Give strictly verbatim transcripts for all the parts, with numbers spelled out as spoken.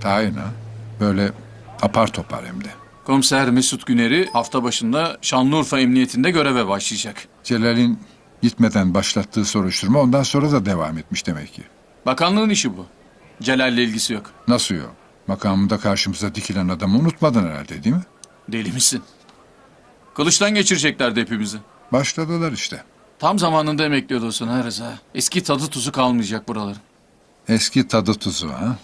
Tayin ha. Böyle apar topar hem de. Komiser Mesut Güner'i hafta başında Şanlıurfa Emniyetinde göreve başlayacak. Celal'in gitmeden başlattığı soruşturma ondan sonra da devam etmiş demek ki. Bakanlığın işi bu. Celal'le ilgisi yok. Nasıl yok? Makamında karşımıza dikilen adamı unutmadın herhalde değil mi? Deli misin? Kılıçtan geçireceklerdi hepimizi. Başladılar işte. Tam zamanında emekli olursun ha Rıza. Eski tadı tuzu kalmayacak buraların. Eski tadı tuzu ha.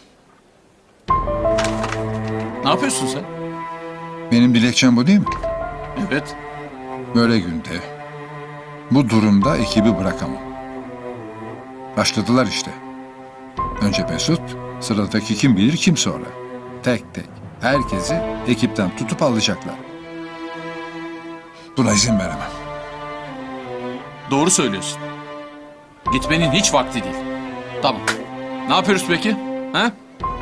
Ne yapıyorsun sen? Benim dilekçem bu değil mi? Evet. Böyle günde, bu durumda ekibi bırakamam. Başladılar işte. Önce Mesut, sıradaki kim bilir kim sonra. Tek tek herkesi ekipten tutup alacaklar. Buna izin veremem. Doğru söylüyorsun. Gitmenin hiç vakti değil. Tamam. Ne yapıyoruz peki? Ha?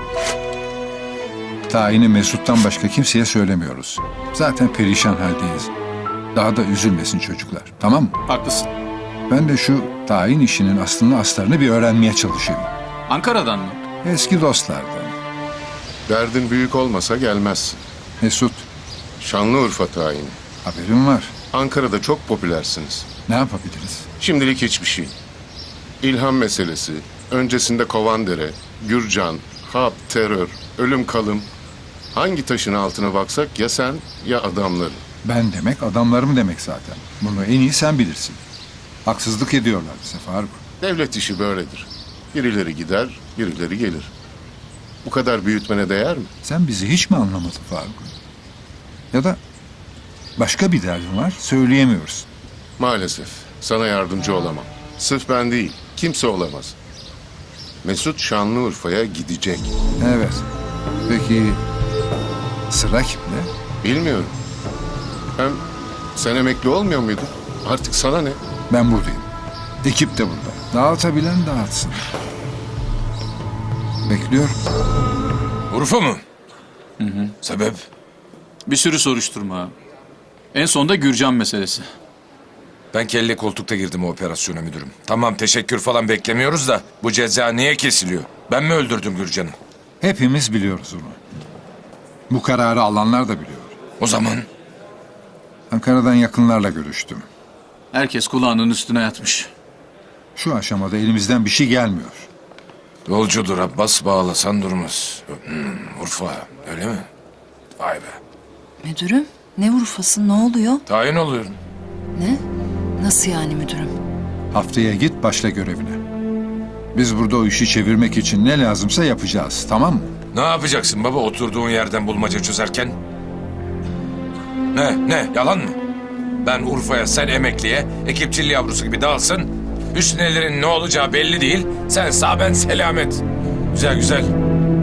Tayini Mesut'tan başka kimseye söylemiyoruz. Zaten perişan haldeyiz. Daha da üzülmesin çocuklar. Tamam mı? Haklısın. Ben de şu tayin işinin aslını aslarını bir öğrenmeye çalışayım. Ankara'dan mı? Eski dostlardan. Derdin büyük olmasa gelmezsin. Mesut, Şanlıurfa tayini. haberim var. Ankara'da çok popülersiniz. Ne yapabiliriz? Şimdilik hiçbir şey. İlham meselesi, öncesinde Kovandere, Gürcan, Hap, terör, ölüm kalım. Hangi taşın altına baksak ya sen ya adamları. Ben demek adamlarım demek zaten. Bunu en iyi sen bilirsin. Haksızlık ediyorlar bize Faruk. Devlet işi böyledir. Birileri gider, birileri gelir. Bu kadar büyütmene değer mi? Sen bizi hiç mi anlamadın Faruk? Ya da başka bir derdin var söyleyemiyoruz. Maalesef sana yardımcı olamam. Sırf ben değil, kimse olamaz. Mesut Şanlıurfa'ya gidecek. Evet. Peki sıra kimde? Bilmiyorum. Hem sen emekli olmuyor muydun? Artık sana ne? Ben buradayım. Ekip de burada. Dağıtabilen dağıtsın. Bekliyorum. Urfa mı? Hı hı. Sebep? Bir sürü soruşturma. En sonunda Gürcan meselesi. Ben kelle koltukta girdim o operasyona müdürüm. Tamam teşekkür falan beklemiyoruz da bu ceza niye kesiliyor? Ben mi öldürdüm Gürcan'ı? Hepimiz biliyoruz onu. Bu kararı alanlar da biliyor. O zaman Ankara'dan yakınlarla görüştüm. Herkes kulağının üstüne yatmış. Şu aşamada elimizden bir şey gelmiyor. yolcudur Abbas bağlasan durmaz. Hmm, Urfa öyle mi? Vay be. Müdürüm, ne Urfa'sı, ne oluyor? Tayin oluyorum. Ne? Nasıl yani müdürüm? Haftaya git başla görevine. Biz burada o işi çevirmek için ne lazımsa yapacağız, tamam mı? Ne yapacaksın baba oturduğun yerden bulmaca çözerken? Ne ne yalan mı? Ben Urfa'ya sen emekliye ekipçil yavrusu gibi dalsın. Üstünelerin ne olacağı belli değil. Sen sağ ben selamet. Güzel güzel.